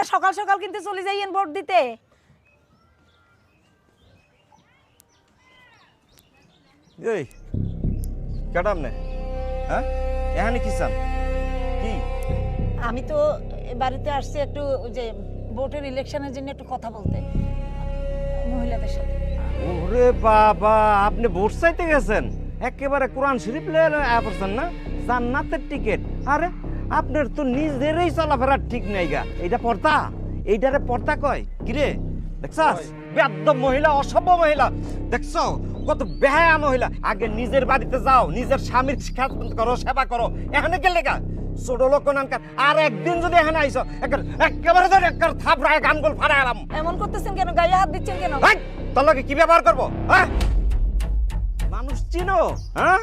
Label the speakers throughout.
Speaker 1: সকাল সকাল কিন্তু চলে যাইয়েন ভোট দিতে।
Speaker 2: এই কাটাম না, হ্যাঁ এখানে কি চান কি?
Speaker 1: আমি তো বাড়িতে আসছি একটু যে ভোটের ইলেকশনের জন্য একটু কথা বলতে মহিলাদের সাথে।
Speaker 2: ওরে বাবা, আপনি ভোট চাইতে গেছেন? একেবারে কোরআন শরীফ লয়ে পড়ছেন না, জান্নাতের টিকিট। আরে আপনার তো নিজেরই চলাফেরার ঠিক নাই গা। এইটা পর্দা, এইটারে পর্দা কয় কিরে? দেখছাস বেয়াদব মহিলা, অসভ্য মহিলা, দেখছো কত বেহায়া মহিলা। আগে নিজের বাড়িতে যাও, নিজের স্বামীর খেদমত করো, সেবা করো। এখানে গেলে গা ছোট লোক নানকার। আর একদিন যদি এখানে আইসো একেবারে ধরে একবার থাপড়ায় গানগুল ফাড়ায় এলাম।
Speaker 1: এমন করতেছেন কেন? গায়ে হাত দিচ্ছেন কেন?
Speaker 2: তোর লগে কি ব্যবহার করবো? হ্যাঁ মানুষ চিনো? হ্যাঁ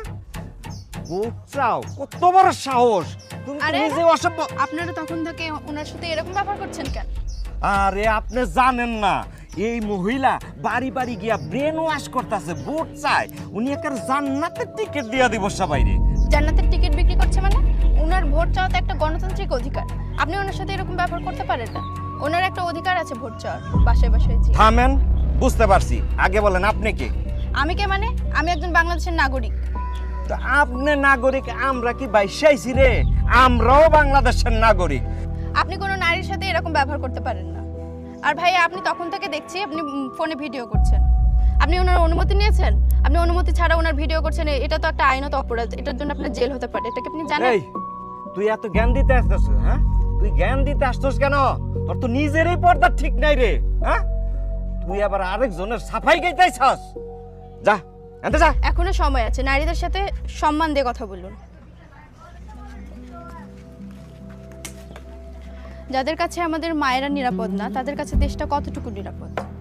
Speaker 2: ভোট চাও, কত বড় সাহস! তুমি তো নিজে অসভ্য।
Speaker 3: আপনারা তখন থেকে ওনার সাথে এরকম ব্যবহার করছেন কেন?
Speaker 2: আরে আপনি জানেন না, এই মহিলা বাড়ি বাড়ি গিয়া ব্রেন ওয়াশ করতেছে, ভোট চায়। উনি একার জান্নাতের টিকিট দিয়া দিব সবাইরে।
Speaker 3: জান্নাতের টিকিট বিক্রি করছে মানে? ওনার ভোট চাওয়া তো একটা গণতান্ত্রিক অধিকার। আপনি ওনার সাথে এরকম ব্যবহার করতে পারেন না। ওনার একটা অধিকার আছে ভোট চাওয়ার, বাসায় বাসায়।
Speaker 2: থামেন, বুঝতে পারছি। আগে বলেন আপনি কে?
Speaker 3: আমি কে মানে? আমি একজন বাংলাদেশের নাগরিক।
Speaker 2: তো আপনি নাগরিক, আমরা কি বাইশাইছি রে? আমরাও বাংলাদেশের নাগরিক।
Speaker 3: আপনি কোনো নারীর সাথে এরকম ব্যবহার করতে পারেন না। আর ভাই, আপনি তখন থেকে দেখছি আপনি ফোনে ভিডিও করছেন। আপনি ওনার অনুমতি নিয়েছেন? আপনি অনুমতি ছাড়া ওনার ভিডিও করছেন, এটা তো একটা আইনত অপরাধ। এটার জন্য আপনার জেল হতে পারে। এটা কি আপনি জানেন?
Speaker 2: এই তুই এত জ্ঞান দিতে আসছিস? হ্যাঁ তুই জ্ঞান দিতে আসছিস কেন? তোর তো নিজেরই পর্দা ঠিক নাই রে। হ্যাঁ তুই আবার আরেকজনের সাফাই গাইতেছস। যা এনতে যা।
Speaker 3: এখনো সময় আছে, নারীদের সাথে সম্মান দিয়ে কথা বলুন। যাদের কাছে আমাদের মায়েরা নিরাপদ না, তাদের কাছে দেশটা কতটুকু নিরাপদ?